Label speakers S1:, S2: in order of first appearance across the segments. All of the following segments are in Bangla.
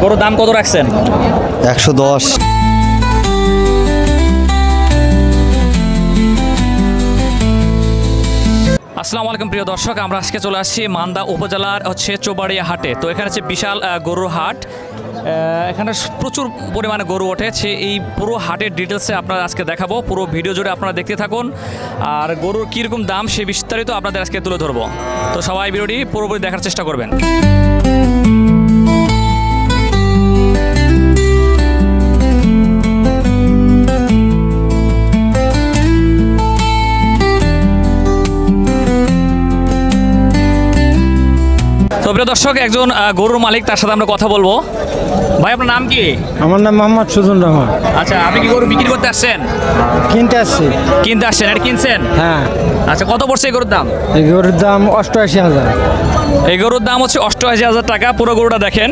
S1: গরুর দাম কত রাখছেন?
S2: 110।
S1: আসসালামু আলাইকুম প্রিয় দর্শক, আমরা আজকে চলে আসছি মান্দা উপজেলার চৌবাড়িয়া হাটে। তো এখানে হচ্ছে বিশাল গরুর হাট। এখানে প্রচুর পরিমাণে গরু ওঠেছে। এই পুরো হাটের ডিটেলসে আপনারা আজকে দেখাবো। পুরো ভিডিও জুড়ে আপনারা দেখতে থাকুন, আর গরুর কীরকম দাম সে বিস্তারিত আপনাদের আজকে তুলে ধরবো। তো সবাই ভিডিওটি পুরোপুরি দেখার চেষ্টা করবেন। তো প্রিয় দর্শক, একজন গরুর মালিক, তার সাথে আমরা কথা বলবো। ভাই, আপনার নাম কি?
S3: আমার নাম মোহাম্মদ সুজন রহমান।
S1: আচ্ছা, আপনি কি গরু বিক্রি করতে আসছেন?
S3: কিনতে আসছি।
S1: কিনতে আসছেন? এটা কিনছেন?
S3: হ্যাঁ।
S1: আচ্ছা, কত পড়ছে এই গরুর দাম?
S3: এই গরুর দাম 88,000।
S1: এই গরুর দাম হচ্ছে 88,000 টাকা। পুরো গরুটা দেখেন।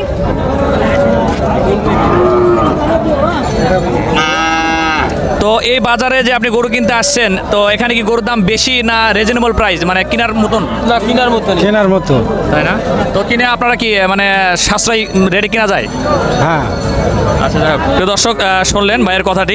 S1: তো এই বাজারে যে আপনি গরু কিনতে আসছেন, তো এখানে কি গরুর দাম বেশি না রিজনেবল প্রাইস, মানে কেনার মতন?
S3: না, কেনার মতো।
S1: তাই না? তো কিনে আপনারা কি মানে সাশ্রয়ী রেটে কেনা যায়?
S3: হ্যাঁ।
S1: আচ্ছা, প্রিয় দর্শক, শুনলেন ভাইয়ের কথাটি।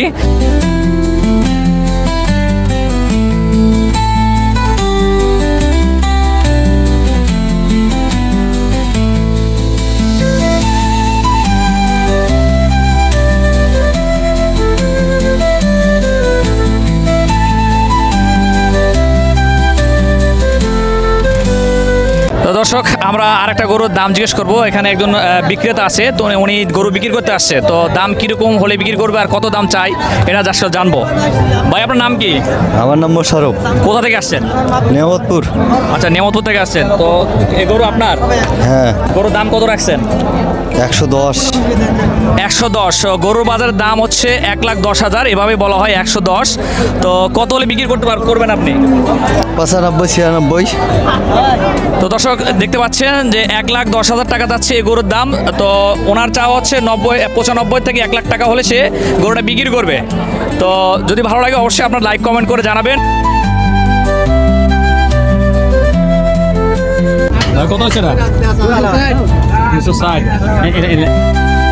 S1: তো দর্শক, আমরা আরেকটা গরুর দাম জিজ্ঞেস করবো। এখানে একজন বিক্রেতা আছে, তো উনি গরু বিক্রি করতে আসছে। তো দাম কীরকম হলে বিক্রি করবে আর কত দাম চাই এটা আসলে জানবো। ভাই, আপনার নাম কি?
S2: আমার নাম মোশারফ।
S1: কোথা থেকে আসছেন?
S2: নেয়ামতপুর।
S1: আচ্ছা, নেয়ামতপুর থেকে আসছেন। তো এই গরু আপনার?
S2: হ্যাঁ।
S1: গরুর দাম কত রাখছেন?
S2: 110।
S1: 110। গরুর বাজারের দাম হচ্ছে 1,10,000, এভাবে বলা হয় 110। তো কত হলে বিক্রি করবেন আপনি?
S2: 95, 96।
S1: তো দর্শক, দেখতে পাচ্ছেন যে 1,10,000 টাকা যাচ্ছে এই গরুর দাম। তো ওনার চাওয়া হচ্ছে 95 থেকে 1 লাখ টাকা হলে সে গরুটা বিক্রি করবে। তো যদি ভালো লাগে অবশ্যই আপনার লাইক কমেন্ট করে জানাবেন। কত হচ্ছে না? 360।